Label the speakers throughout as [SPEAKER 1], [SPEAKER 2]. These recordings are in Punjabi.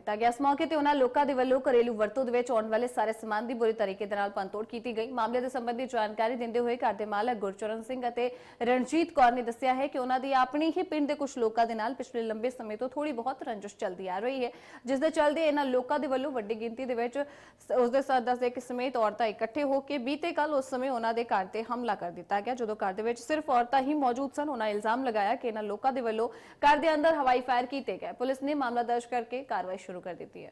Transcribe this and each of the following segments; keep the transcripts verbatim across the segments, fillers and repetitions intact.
[SPEAKER 1] ਦਿੱਤਾ ਗਿਆ। ਇਸ ਮੌਕੇ ਤੇ ਉਹਨਾਂ ਲੋਕਾਂ ਦੇ ਵੱਲੋਂ ਘਰੇਲੂ ਵਰਤੋਂ ਦੇ ਵਿੱਚ ਆਉਣ ਵਾਲੇ ਸਾਰੇ ਸਮਾਨ ਦੀ ਬੁਰੀ ਤਰੀਕੇ ਦੇ ਨਾਲ ਭੰਨਤੋੜ ਕੀਤੀ ਗਈ। ਮਾਮਲੇ ਦੇ ਸੰਬੰਧੀ ਜਾਣਕਾਰੀ ਦਿੰਦੇ ਹੋਏ ਘਰ ਦੇ ਮਾਲਕ ਗੁਰਚਰਨ ਸਿੰਘ ਅਤੇ ਰਣਜੀਤ ਕੌਰ ਨੇ ਦੱਸਿਆ ਹੈ ਕਿ ਉਹਨਾਂ ਦੀ ਆਪਣੀ ਹੀ ਪਿੰਡ ਦੇ ਕੁਝ ਲੋਕਾਂ ਦੇ ਨਾਲ ਪਿਛਲੇ ਲੰਬੇ ਸਮੇਂ ਤੋਂ ਥੋੜੀ ਬਹੁਤ ਰੰਜਿਸ਼ ਚੱਲਦੀ ਆ ਰਹੀ ਹੈ, ਜਿਸ ਦੇ ਚੱਲਦੇ ਇਹਨਾਂ ਲੋਕਾਂ ਦੇ ਵੱਲੋਂ ਵੱਡੀ ਗਿਣਤੀ ਦੇ ਵਿੱਚ ਉਸ ਦੇ ਸਦस्य ਦੇ ਸਮੇਤ ਔਰਤਾਂ ਇਕੱਠੇ ਹੋ ਕੇ ਬੀਤੇ ਕੱਲ ਉਸ ਸਮੇਂ ਉਹਨਾਂ ਦੇ ਘਰ ਤੇ ਹਮਲਾ ਕਰ ਦਿੱਤਾ ਗਿਆ। ਜਦੋਂ ਘਰ ਦੇ ਵਿੱਚ ਸਿਰਫ ਔਰਤਾਂ ਹੀ ਮੌਜੂਦ ਸਨ, ਉਹਨਾਂ ਇਲਜ਼ਾਮ ਲਗਾਇਆ ਕਿ ਇਹਨਾਂ ਲੋਕਾਂ ਦੇ ਵੱਲੋਂ ਘਰ ਦੇ ਅੰਦਰ ਹਵਾਈ ਫਾਇਰ ਕੀਤੇ ਗਏ। ਪੁਲਿਸ ਨੇ ਮਾਮਲਾ ਦਰਜ ਕਰਕੇ कार्रवाई शुरू कर दी है।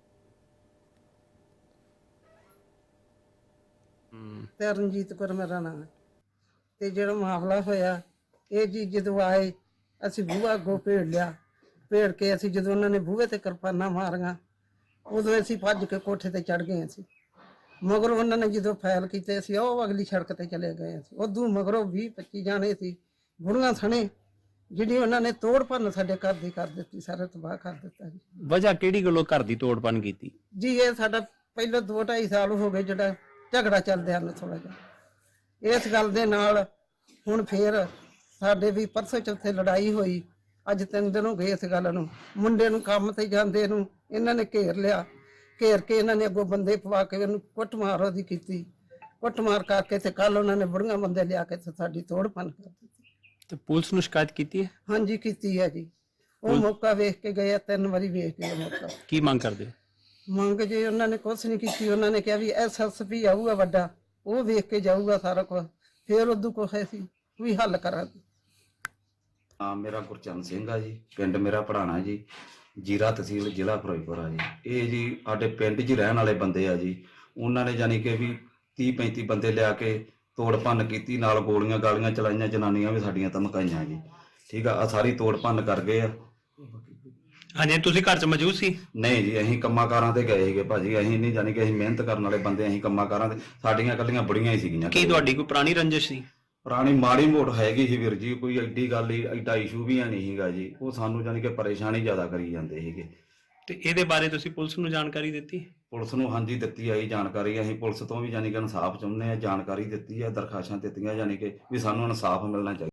[SPEAKER 2] ਰਣਜੀਤ ਕੌਰ ਮੇਰਾ ਨਾਮ ਹੈ ਤੇ ਜਿਹੜਾ ਮਾਮਲਾ ਹੋਇਆ ਇਹ ਜੀ ਜਦੋਂ ਆਏ ਅਸੀਂ ਬੂਹਾ ਅੱਗੋਂ ਭੇੜ ਲਿਆ। ਭੇੜ ਕੇ ਅਸੀਂ ਜਦੋਂ ਉਹਨਾਂ ਨੇ ਬੂਹੇ ਤੇ ਕਿਰਪਾਨਾਂ ਮਾਰੀਆਂ ਉਦੋਂ ਅਸੀਂ ਭੱਜ ਕੇ ਕੋਠੇ ਤੇ ਚੜ ਗਏ ਸੀ। ਮਗਰ ਉਹਨਾਂ ਨੇ ਜਦੋਂ ਫਾਇਰ ਕੀਤੇ ਅਸੀਂ ਉਹ ਅਗਲੀ ਸੜਕ ਤੇ ਚਲੇ ਗਏ ਸੀ। ਉਦੋਂ ਮਗਰੋਂ ਵੀਹ ਪੱਚੀ ਜਾਣੇ ਸੀ ਬੁੜੀਆਂ ਸਣੇ ਜਿਹੜੀ ਉਹਨਾਂ ਨੇ ਤੋੜ ਭੰਨ ਸਾਡੇ ਘਰ ਦੀ ਕਰ ਦਿੱਤੀ, ਸਾਰਾ ਤਬਾਹ ਕਰ ਦਿੱਤਾ ਜੀ।
[SPEAKER 3] ਵਜ੍ਹਾ ਕਿਹੜੀ ਗੱਲੋਂ ਘਰ ਦੀ ਤੋੜ ਭੰਨ ਕੀਤੀ
[SPEAKER 2] ਜੀ? ਇਹ ਸਾਡਾ ਪਹਿਲਾਂ ਦੋ ਢਾਈ ਸਾਲ ਹੋ ਗਏ ਜਿਹੜਾ ਝਗੜਾ ਚੱਲਦਿਆਂ ਨੂੰ ਥੋੜਾ ਜਿਹਾ। ਇਸ ਗੱਲ ਦੇ ਨਾਲ ਹੁਣ ਫੇਰ ਸਾਡੇ ਵੀ ਪਰਸੋਂ ਚੌਥੇ ਲੜਾਈ ਹੋਈ। ਅੱਜ ਤਿੰਨ ਦਿਨ ਹੋ ਗਏ ਇਸ ਗੱਲ ਨੂੰ। ਮੁੰਡੇ ਨੂੰ ਕੰਮ ਤੇ ਜਾਂਦੇ ਨੂੰ ਇਹਨਾਂ ਨੇ ਘੇਰ ਲਿਆ। ਘੇਰ ਕੇ ਇਹਨਾਂ ਨੇ ਅੱਗੋਂ ਬੰਦੇ ਪਵਾ ਕੇ ਉਹਨੂੰ ਕੁੱਟਮਾਰ ਉਹਦੀ ਕੀਤੀ। ਕੁੱਟਮਾਰ ਕਰਕੇ ਤੇ ਕੱਲ ਉਹਨਾਂ ਨੇ ਬੁੜੀਆਂ ਬੰਦੇ ਲਿਆ ਕੇ ਤੇ ਸਾਡੀ ਤੋੜ ਭੰਨ ਕਰ ਦਿੱਤੀ।
[SPEAKER 3] ਤੇ ਪੁਲਿਸ ਨੂੰ ਸ਼ਿਕਾਇਤ ਕੀਤੀ ਹੈ?
[SPEAKER 2] ਹਾਂਜੀ ਕੀਤੀ ਹੈ ਜੀ। ਉਹ ਮੌਕਾ ਵੇਖ ਕੇ ਗਏ, ਤਿੰਨ ਵਾਰੀ ਵੇਖ ਕੇ ਮੌਕਾ।
[SPEAKER 3] ਕੀ ਮੰਗ ਕਰਦੇ?
[SPEAKER 2] ਮੰਗ ਜੇ ਉਹਨਾਂ ਨੇ ਕੁਛ ਨਹੀਂ ਕੀਤੀ। ਉਹਨਾਂ ਨੇ ਕਿਹਾ ਵੀ ਐਸ ਐਸ ਪੀ ਆਊਗਾ ਵੱਡਾ, ਉਹ ਵੇਖ ਕੇ ਜਾਊਗਾ ਸਾਰਾ ਕੁਝ, ਫਿਰ ਉਦੋਂ ਕੁਛ ਅਸੀਂ ਵੀ ਹੱਲ ਕਰਾਂਗੇ।
[SPEAKER 4] ਹਾਂ, ਮੇਰਾ ਗੁਰਚਰਨ ਸਿੰਘ ਆ ਜੀ। ਪਿੰਡ ਮੇਰਾ ਪੜਾਣਾ ਜੀ, ਜੀਰਾ ਤਹਿਸੀਲ ਜ਼ਿਲ੍ਹਾ ਫਿਰੋਜ਼ਪੁਰ ਆ ਜੀ। ਇਹ ਜੀ ਸਾਡੇ ਪਿੰਡ 'ਚ ਰਹਿਣ ਵਾਲੇ ਬੰਦੇ ਆ ਜੀ। ਉਹਨਾਂ ਨੇ ਜਾਨੀ ਕਿ ਵੀ ਤੀਹ ਪੈਂਤੀ ਬੰਦੇ ਲਿਆ ਕੇ ਤੋੜ ਭੰਨ ਕੀਤੀ, ਨਾਲ ਗੋਲੀਆਂ ਗਾਲੀਆਂ ਚਲਾਈਆਂ। ਜਨਾਨੀਆਂ ਵੀ ਸਾਡੀਆਂ ਧਮਕਾਈਆਂ ਜੀ। ਠੀਕ ਆ, ਆ ਸਾਰੀ ਤੋੜ ਭੰਨ ਕਰ ਗਏ ਆ।
[SPEAKER 3] ਹਾਂਜੀ, ਤੁਸੀਂ ਘਰ 'ਚ ਮੌਜੂਦ ਸੀ?
[SPEAKER 4] ਨਹੀਂ ਜੀ, ਅਸੀਂ ਕੰਮਾਂ ਕਾਰਾਂ ਤੇ ਗਏ ਸੀਗੇ ਭਾਜੀ। ਅਸੀਂ ਨਹੀਂ ਜਾਨੀ ਕਿ ਅਸੀਂ ਮਿਹਨਤ ਕਰਨ ਵਾਲੇ ਬੰਦੇ, ਅਸੀਂ ਕੰਮਾਂ ਕਾਰਾਂ ਤੇ। ਸਾਡੀਆਂ ਇਕੱਲੀਆਂ ਬੁੜੀਆਂ ਹੀ ਸੀਗੀਆਂ।
[SPEAKER 3] ਕੀ ਤੁਹਾਡੀ ਕੋਈ ਪੁਰਾਣੀ ਰੰਜਿਸ਼ ਸੀ?
[SPEAKER 4] ਪੁਰਾਣੀ ਮਾੜੀ ਮੋਟ ਹੈਗੀ ਸੀ ਵੀਰ ਜੀ, ਕੋਈ ਐਡੀ ਗੱਲ ਹੀ ਐਡਾ ਇਸ਼ੂ ਵੀ ਨਹੀਂ ਸੀਗਾ ਜੀ। ਉਹ ਸਾਨੂੰ ਜਾਨੀ ਕਿ ਪਰੇਸ਼ਾਨੀ ਜ਼ਿਆਦਾ ਕਰੀ ਜਾਂਦੇ ਸੀਗੇ।
[SPEAKER 3] ਤੇ ਇਹਦੇ ਬਾਰੇ ਤੁਸੀਂ ਪੁਲਿਸ ਨੂੰ ਜਾਣਕਾਰੀ ਦਿੱਤੀ?
[SPEAKER 4] ਪੁਲਿਸ ਨੂੰ ਹਾਂਜੀ ਦਿੱਤੀ ਆਈ ਜਾਣਕਾਰੀ। ਅਸੀਂ ਪੁਲਿਸ ਤੋਂ ਵੀ ਜਾਨੀ ਕਿ ਇਨਸਾਫ ਚਾਹੁੰਦੇ ਆ, ਜਾਣਕਾਰੀ ਦਿੱਤੀ ਆ, ਦਰਖਾਸਤਾਂ ਦਿੱਤੀਆਂ ਜਾਨੀ ਕਿ ਵੀ ਸਾਨੂੰ ਇਨਸਾਫ ਮਿਲਣਾ ਚਾਹੀਦਾ।